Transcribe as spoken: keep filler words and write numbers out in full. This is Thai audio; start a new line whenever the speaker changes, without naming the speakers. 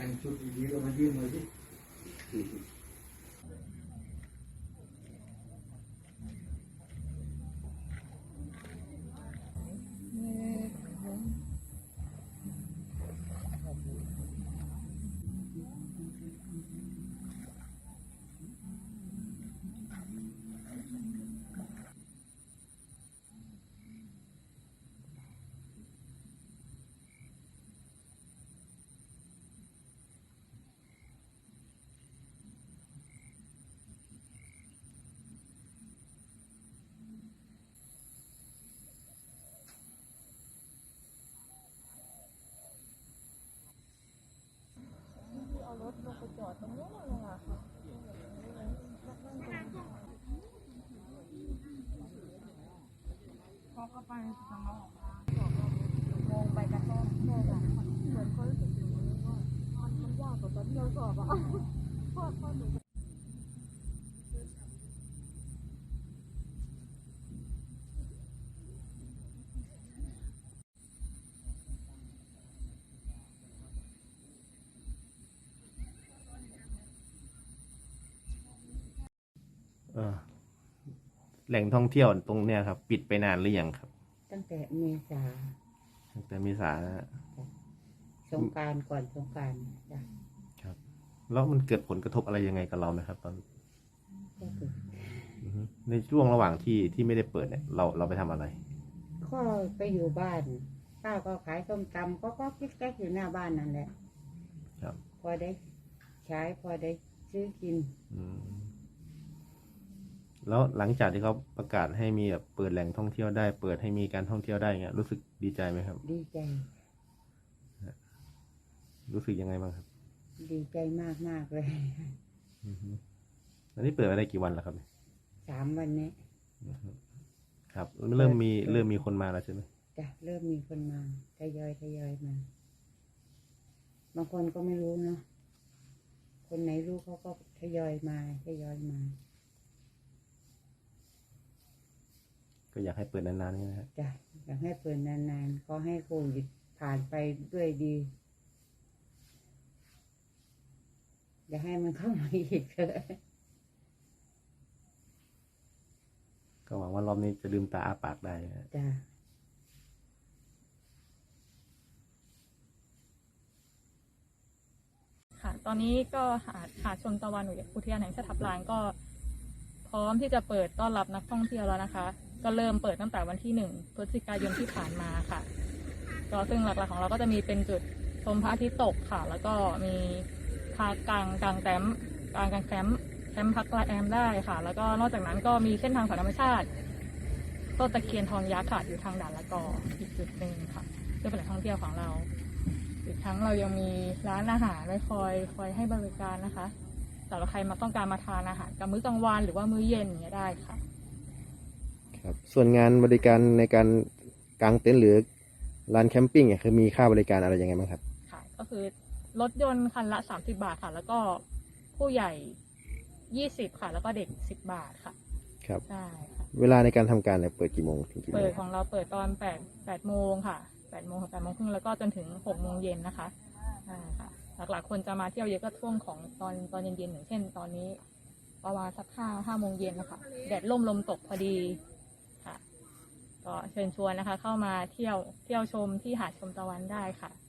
แต่งชุดดีๆก็มายื่นมาสิ
รถลงไปจอดตรงนู้นเลยอะค่ะพอเข้าไปจะมองมองไปกระต้นใช่ค่ะเหมือนเขารู้สึกอย่างนี้ว่ามันมันยากกว่าตอนที่เราสอบอะพ่อพ่อหนู
แหล่งท่องเที่ยวตรงเนี้ยครับปิดไปนานหรือยังครับ
ตั้งแต่เมษา
ตั้งแต่เมษานะ
สงกรานต์ก่อนสงกรานต์จ้ะ
ครับแล้วมันเกิดผลกระทบอะไรยังไงกับเราไหมครับตอน
ก็คือ
ในช่วงระหว่างที่ที่ไม่ได้เปิดเนี่ยเราเราไปทำอะไร
ก็ไปอยู่บ้านป้าก็ขายส้มตำก็ก็กิ๊กแก๊กอยู่หน้าบ้านนั่นแหละ
ครับ
พอได้ใช้พอได้ซื้อกิน
อืมแล้วหลังจากที่เขาประกาศให้มีแบบเปิดแหล่งท่องเที่ยวได้เปิดให้มีการท่องเที่ยวได้เงี้ยรู้สึกดีใจไหมครับ
ดีใจ
รู้สึกยังไงบ้างครับ
ดีใจมากมากเลย
อันนี้เปิดมาได้กี่วันแล้วครับ
สามวันนี้
ครับเริ่มมีเริ่มมีคนมาแล้วใช่ไหม
จ้ะเริ่มมีคนมาทยอยทยอยมาบางคนก็ไม่รู้เนาะคนไหนรู้เขาก็ทยอยมาทยอยมา
ก็อยากให้เปิดนานๆใช่ไหมครับ
จ้ะอยากให้เปิดนานๆก็ให้โควิดผ่านไปด้วยดีอย่าให้มันเข้ามาอีกเลย
ก็หวังว่ารอบนี้จะลืมตาอ้าปากได้
จ้ะ
ค่ะตอนนี้ก็หาดหาดชมตะวันอุทยานแห่งชาติทับลานก็พร้อมที่จะเปิดต้อนรับนักท่องเที่ยวแล้วนะคะก็เริ่มเปิดตั้งแต่วันที่หนึ่งพฤศจิกายนที่ผ่านมาค่ะก็ซึ่งหลักๆของเราก็จะมีเป็นจุดชมพระอาทิตย์ตกค่ะแล้วก็มีพากางกางแคมป์กางกางแคมป์แคมป์พักแรมได้ค่ะแล้วก็นอกจากนั้นก็มีเส้นทางสายธรรมชาติต้นตะเคียนทองยักษ์ค่ะอยู่ทางด่านละกออีกจุดหนึ่งค่ะซึ่งเป็นแหล่งท่องเที่ยวของเราอีกทั้งเรายังมีร้านอาหารไว้คอยคอยให้บริการนะคะสำหรับใครมาต้องการมาทานอาหารกับมื้อกลางวันหรือว่ามื้อเย็นอย่างเงี้ยได้ค่ะ
ครับส่วนงานบริการในการกางเต็นท์หรือร้านแคมปิ้งเนี่ยคือมีค่าบริการอะไรยังไงบ้างครับ
ค่ะก็คือรถยนต์คันละสามสิบบาทค่ะแล้วก็ผู้ใหญ่ยี่สิบค่ะแล้วก็เด็กสิบบาทค่ะ
ครับ
ใช่ค่ะ
เวลาในการทำการเนี่ยเปิดกี่โมงถึงกี่โมง
เปิดของเราเปิดตอนแปดแปดโมงค่ะแปดโมงถึงแปดโมงครึ่งแล้วก็จนถึงหกโมงเย็นนะคะใช่ค่ะหลักๆคนจะมาเที่ยวเยอะก็ช่วงของตอนตอนเย็นๆอย่างเช่นตอนนี้ประมาณสักห้าห้าโมงเย็นนะคะแดดร่มลมตกพอดีค่ะก็เชิญชวนนะคะเข้ามาเที่ยวเที่ยวชมที่หาดชมตะวันได้ค่ะ